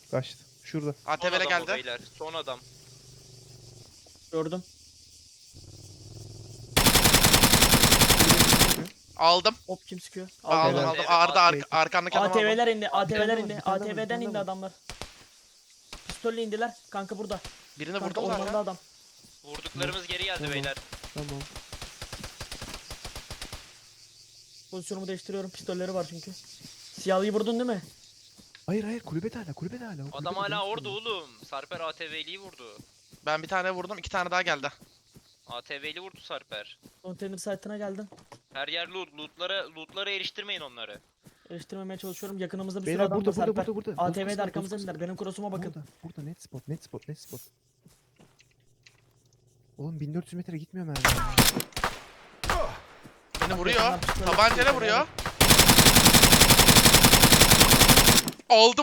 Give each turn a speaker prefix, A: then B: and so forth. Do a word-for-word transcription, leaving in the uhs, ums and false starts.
A: Kaçtı. Şurada.
B: Son
C: A T V'le
B: adam o
C: geldi.
B: beyler. Son adam.
D: Gördüm.
C: Aldım.
D: Hop kim sıkıyor?
C: Aldım
A: Helal.
C: aldım. Arda ar
A: Evet.
C: arkandaki adamı aldım.
D: A T V'ler indi. A T V'ler
A: var,
D: indi.
A: bir tane var, bir
D: A T V'den
A: tane
D: indi
A: var.
D: adamlar. Pistolle indiler. Kanka burada.
C: Birini
D: Kanka
C: vurdum
D: ormanda
C: zaten.
D: adam.
B: Vurduklarımız geri geldi
A: Tamam.
B: beyler.
A: Tamam.
D: Pozisyonumu değiştiriyorum. Pistolleri var çünkü. Siyahlıyı vurdun değil mi?
A: Hayır hayır kulübede hala kulübede hala. o
B: Adam
A: kulübede,
B: hala
A: dönüş
B: orada
A: dönüyor.
B: oğlum. Sarper A T V'liyi vurdu.
C: Ben bir tane vurdum. iki tane daha geldi.
B: A T V'li vurdu Sarper.
D: Container site'ına geldim.
B: Her yer loot. Lootlara, lootlara eriştirmeyin onları.
D: Eleştirmemeye çalışıyorum. Yakınımızda bir sürü
A: Beyler
D: adam
A: burada
D: var
A: burada
D: Serper.
A: burada burada.
D: A T V'de
A: Bozkır,
D: arkamızda
A: Bozkır.
D: indiler. Benim cross'uma bakın.
A: Burada, burada net spot net spot net spot. Oğlum bin dört yüz metre gitmiyor mermi.
C: Beni vuruyor.
D: Yakınlar pistol
C: Tabancayla
D: atıyor,
C: vuruyor. Aldım